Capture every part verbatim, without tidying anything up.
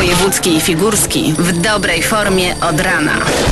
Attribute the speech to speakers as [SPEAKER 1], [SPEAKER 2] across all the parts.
[SPEAKER 1] wojewódzki i figurski w dobrej formie od rana.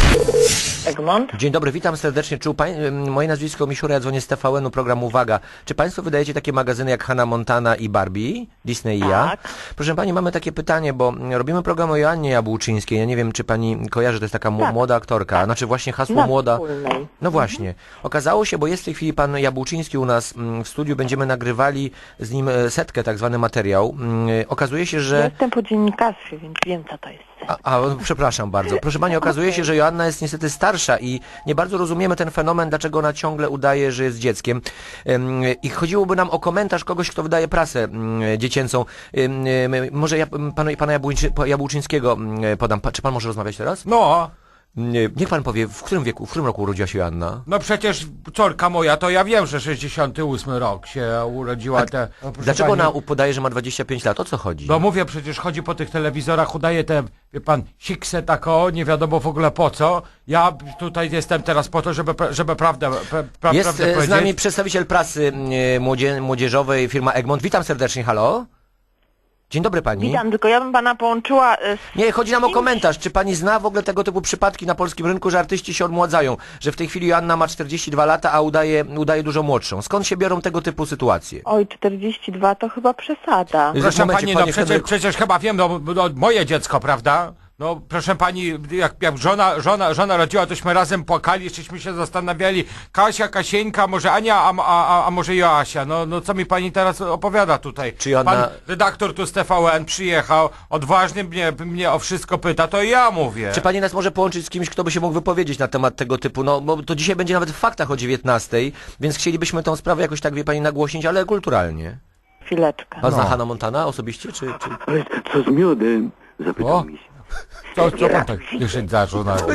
[SPEAKER 2] Egmont?
[SPEAKER 3] Dzień dobry, witam serdecznie. Czy u pań... Moje nazwisko Misiura, ja dzwonię z T V N-u, program Uwaga. Czy państwo wydajecie takie magazyny jak Hannah Montana i Barbie? Disney i ja?
[SPEAKER 2] Tak.
[SPEAKER 3] Proszę pani, mamy takie pytanie, bo robimy program o Joannie Jabłczyńskiej. Ja nie wiem, czy pani kojarzy, to jest taka
[SPEAKER 2] Tak.
[SPEAKER 3] młoda aktorka. Tak. Znaczy właśnie hasło
[SPEAKER 2] Na
[SPEAKER 3] młoda.
[SPEAKER 2] wspólnej.
[SPEAKER 3] No właśnie. Okazało się, bo jest w tej chwili pan Jabłczyński u nas w studiu, będziemy nagrywali z nim setkę, tak zwany materiał. Okazuje się, że...
[SPEAKER 2] Jestem po dziennikarstwie, więc wiem, co to jest.
[SPEAKER 3] A, a, przepraszam bardzo. Proszę pani, okazuje się, że Joanna jest niestety starsza i nie bardzo rozumiemy ten fenomen, dlaczego ona ciągle udaje, że jest dzieckiem. Ym, I chodziłoby nam o komentarz kogoś, kto wydaje prasę ym, dziecięcą. Ym, ym, może ja, panu, pana Jabłczyńskiego Jabłczyńskiego podam. Pa, czy pan może rozmawiać teraz?
[SPEAKER 4] No,
[SPEAKER 3] Nie, niech pan powie, w którym wieku, w którym roku urodziła się Joanna?
[SPEAKER 4] no przecież córka moja, to ja wiem, że sześćdziesiąty ósmy rok się urodziła. Te, no, proszę
[SPEAKER 3] Dlaczego
[SPEAKER 4] pani,
[SPEAKER 3] ona podaje, że ma dwadzieścia pięć lat? O co chodzi?
[SPEAKER 4] Bo mówię, przecież chodzi po tych telewizorach, udaje te, wie pan, siksę tako, nie wiadomo w ogóle po co. Ja tutaj jestem teraz po to, żeby, pra- żeby prawdę, pra, pra,
[SPEAKER 3] Jest
[SPEAKER 4] prawdę
[SPEAKER 3] e, z
[SPEAKER 4] powiedzieć.
[SPEAKER 3] nami przedstawiciel prasy e, młodzie, młodzieżowej, firma Egmont. Witam serdecznie, halo? Dzień dobry pani.
[SPEAKER 2] Witam, tylko ja bym pana połączyła e, z...
[SPEAKER 3] Nie, chodzi nam o
[SPEAKER 2] kimś-
[SPEAKER 3] komentarz. Czy pani zna w ogóle tego typu przypadki na polskim rynku, że artyści się odmładzają? Że w tej chwili Joanna ma czterdzieści dwa lata, a udaje, udaje dużo młodszą. Skąd się biorą tego typu sytuacje?
[SPEAKER 2] Oj, czterdzieści dwa to chyba przesada.
[SPEAKER 3] Jest-
[SPEAKER 4] Proszę
[SPEAKER 3] momencie,
[SPEAKER 4] pani, no
[SPEAKER 3] panie
[SPEAKER 4] przecież,
[SPEAKER 3] Henryku.
[SPEAKER 4] przecież chyba wiem, no, no moje dziecko, prawda? No proszę pani, jak, jak żona, żona, żona rodziła, tośmy razem płakali, żeśmy się zastanawiali, Kasia, Kasieńka, może Ania, a, a, a może Joasia. No, no co mi pani teraz opowiada tutaj?
[SPEAKER 3] Czy ona-
[SPEAKER 4] Pan redaktor tu z T V N przyjechał, odważnie mnie, mnie o wszystko pyta, to ja mówię.
[SPEAKER 3] Czy pani nas może połączyć z kimś, kto by się mógł wypowiedzieć na temat tego typu? No, bo to dzisiaj będzie nawet w faktach o dziewiętnastej, więc chcielibyśmy tą sprawę jakoś tak, wie pani, nagłośnić, ale kulturalnie.
[SPEAKER 2] Chwileczkę.
[SPEAKER 3] Pan zna
[SPEAKER 4] No.
[SPEAKER 3] Hannah Montana osobiście, czy... czy...
[SPEAKER 5] Ale co z miodem? Zapytał
[SPEAKER 4] O.
[SPEAKER 5] mi się.
[SPEAKER 4] Co, co pan tak jeszcze zaczął na...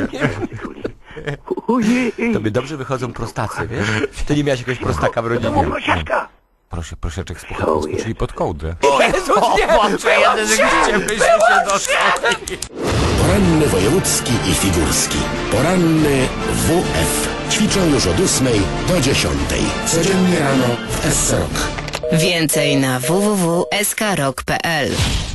[SPEAKER 5] Ojej,
[SPEAKER 3] Tobie dobrze wychodzą prostacy, wiesz? Ty nie miałeś jakiegoś prostaka w rodzinie.
[SPEAKER 5] Kosiaczka!
[SPEAKER 4] Proszę, proszeczek
[SPEAKER 5] Co
[SPEAKER 4] czyli pod kołdrę.
[SPEAKER 3] Jezus, nie!
[SPEAKER 4] Rzeczywiście byśmy się dostali.
[SPEAKER 6] Poranny wojewódzki i figurski. Poranny W F. Ćwiczą już od ósmej do dziesiątej. Codziennie rano w S R O K.
[SPEAKER 1] Więcej na w w w kropka s k rock kropka p l.